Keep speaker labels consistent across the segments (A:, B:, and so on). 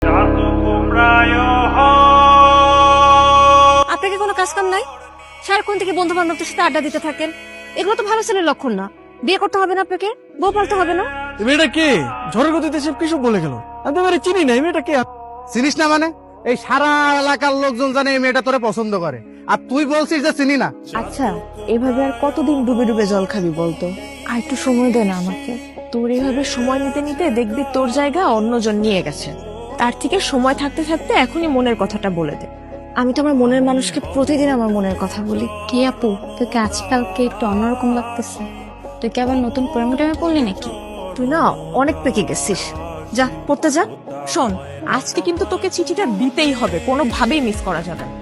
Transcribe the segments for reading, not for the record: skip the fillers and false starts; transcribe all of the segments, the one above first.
A: আপনাকে কোনো কাজ কাম নাই? সারাক্ষণ থেকে বন্ধু বান্ধবদের সাথে আড্ডা দিতে থাকেন, এগুলো তো ভালো ছেলের লক্ষণ না। বিয়ে করতে হবে না আপনাকে, বউ পালতে হবে না।
B: এই মেয়েটা কে? ঝড়ের গতিতে সব কিছু বলে গেল। আমি তো এবারে চিনি না, এই মেয়েটা কে?
C: চিনিস না মানে? এই সারা এলাকার লোকজন জানে এই মেয়েটা তোরে পছন্দ করে, আর তুই বলছিস যে চিনি না।
A: আচ্ছা, এভাবে আর কতদিন ডুবে ডুবে জল খাবি বলতো? আর একটু সময় দে না আমাকে। তোর এইভাবে সময় নিতে নিতে দেখবি তোর জায়গা অন্যজন নিয়ে গেছে। তার থেকে সময় থাকতে থাকতে এখনই মনের কথাটা বলে দে। আমি তো আমার মনের মানুষকে প্রতিদিন আমার মনের কথা বলি।
D: কি আপু, তোকে আজকালকে একটু অন্যরকম লাগতেছে। তুই কি আবার নতুন প্রেমে টেমে পড়লি নাকি?
A: তুই না অনেক পেকে গেছিস। যা পড়তে যা। শোন, আজকে কিন্তু তোকে চিঠিটা দিতেই হবে, কোনোভাবেই মিস করা যাবে না।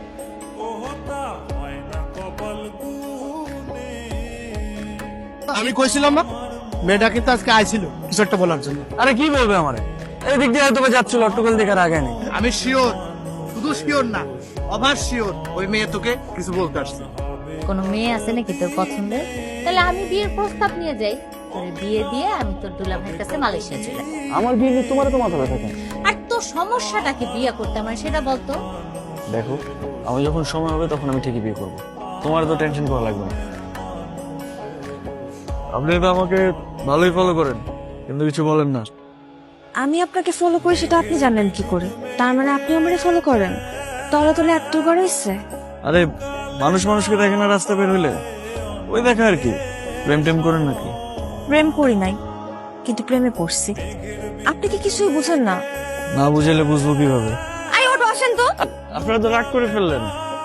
C: আমি কইছিলাম না মেয়েটা কিন্তু আজকে আইছিল কিছু একটা বলার জন্য।
B: আরে কি বলবে আমারে? এই দিক দিয়ে হয়তো বা যাচ্ছিল, অট্টকল দেখার আগে নেই।
C: আমি শিওর, শুধু শিওর না, অভার শিওর ওই মেয়ে তোকে কিছু বলতে আসছে।
D: কোনো মেয়ে আছে নাকি তোর পছন্দের? তাহলে আমি বিয়ের প্রস্তাব নিয়ে যাই, তোর বিয়ে দিয়ে আমি তোর দুলা ভাইয়ের কাছে মালয়েশিয়া চলে যাই।
B: আমার বিয়ে নিয়ে তোমার তো মাথা ব্যথা কেন?
D: আর তোর সমস্যাটাকে বিয়ে করতে আমার সেটা বলতো।
B: দেখো, আমি যখন সময় হবে তখন আমি ঠিকই বিয়ে করবো, তোমার তো টেনশন করা লাগবে না। আপনি তো আমাকে ভালোই ফলো করেন, কিন্তু কিছু বলেন না।
A: আমি আপনাকে ফলো করি সেটা আপনি জানেন কি করে? তার মানে আপনি আমারে ফলো করেন? তলে তলে এত করে ইচ্ছে।
B: আরে মানুষ মানুষকে দেখে না রাস্তা বের হইলে, ওই দেখা আর কি। প্রেম টেম করেন নাকি?
A: প্রেম করি নাই, কিন্তু প্রেমে পড়ছি। আপনি কি কিছুই বুঝেন না?
B: না বুঝাইলে বুঝবো কিভাবে?
A: আই ওটো আসেন তো।
B: আপনারা তো রাগ করে ফেললেন।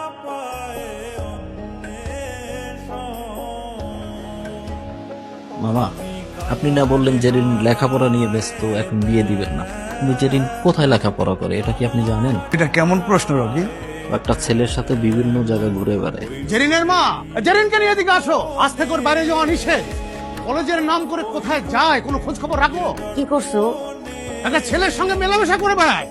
E: মামা, আপনি না বললেন জেরিন লেখাপড়া নিয়ে ব্যস্ত, এখন বিয়ে দিবেন না। কিন্তু জেরিন কোথায় লেখাপড়া করে এটা কি আপনি জানেন?
C: এটা কেমন প্রশ্ন রবি?
E: একটা ছেলের সাথে বিভিন্ন জায়গায় ঘুরে বেড়ায়।
C: জেরিনের মা, জেরিনকে নিয়ে এদিকে আসো। আজ থেকে ওর বাইরে যাওয়া নিষেধ। কলেজের নাম করে কোথায় যায় কোনো খোঁজ খবর রাখো?
A: কি করছো?
C: একটা ছেলের সঙ্গে মেলামেশা করে বেড়ায়।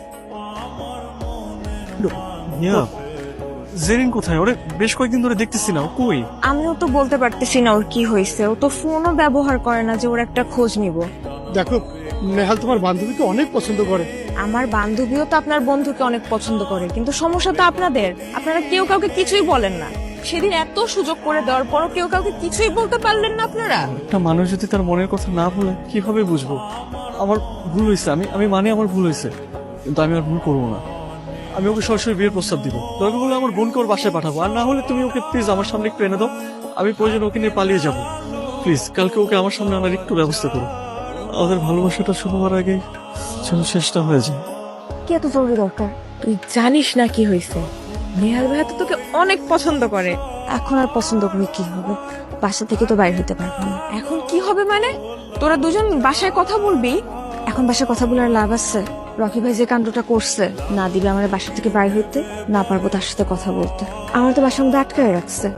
B: জেরিন কোথায়? ওরে বেশ কয়েকদিন ধরে দেখতেছি না, ও কই?
A: আমিও তো বলতে পারতেছি না ওর কি হয়েছে। ও তো ফোনও ব্যবহার করে না যে ওর একটা খোঁজ নিব।
C: দেখো, নেহাল তোমার বান্ধবীকে অনেক পছন্দ করে।
A: আমার বান্ধবীও তো আপনার বন্ধুকে অনেক পছন্দ করে, কিন্তু সমস্যা তো আপনাদের। আপনারা কেউ কাউকে কিছুই বলেন না। সেদিন এত সুযোগ করে দেওয়ার পরও কেউ কাউকে কিছুই বলতে পারলেন না আপনারা।
B: একটা মানুষ যদি তার মনের কথা না বলে কিভাবে বুঝবো? আমার ভুল হয়েছে, আমি মানে আমার ভুল হয়েছে, কিন্তু আমি আর ভুল করবো না। আমি ওকে সরাসরি বিয়ের প্রস্তাব দিব। দরকার হলে আমার বোনকে ওর বাসায় পাঠাবো, আর না হলে তুমি ওকে প্লিজ আমার সামনে একটু এনে দাও। আমি প্রয়োজন ওকে নিয়ে পালিয়ে যাব। প্লিজ কালকে ওকে আমার সামনে আনার একটু ব্যবস্থা করো। আমাদের ভালোবাসাটা শুরু হওয়ার আগে যেন শেষটা হয়ে যায়।
A: কি এত জরুরি দরকার? তুই জানিস না কি হয়েছে? নেহাল ভাইয়া তো তোকে অনেক পছন্দ করে। এখন আর পছন্দ করে কি হবে? বাসা থেকে তো বাইরে হতে পারবো না। এখন কি হবে মানে? তোরা দুজন বাসায় কথা বলবি? এখন বাসায় কথা বলার লাভ আছে? রকি ভাই যে কাণ্ডটা করছে, না দিবে আমার বাসা থেকে বাইরে হইতে, না পারবো তার সাথে কথা বলতে। আমার তো বাসার মধ্যে আটকায় রাখছে।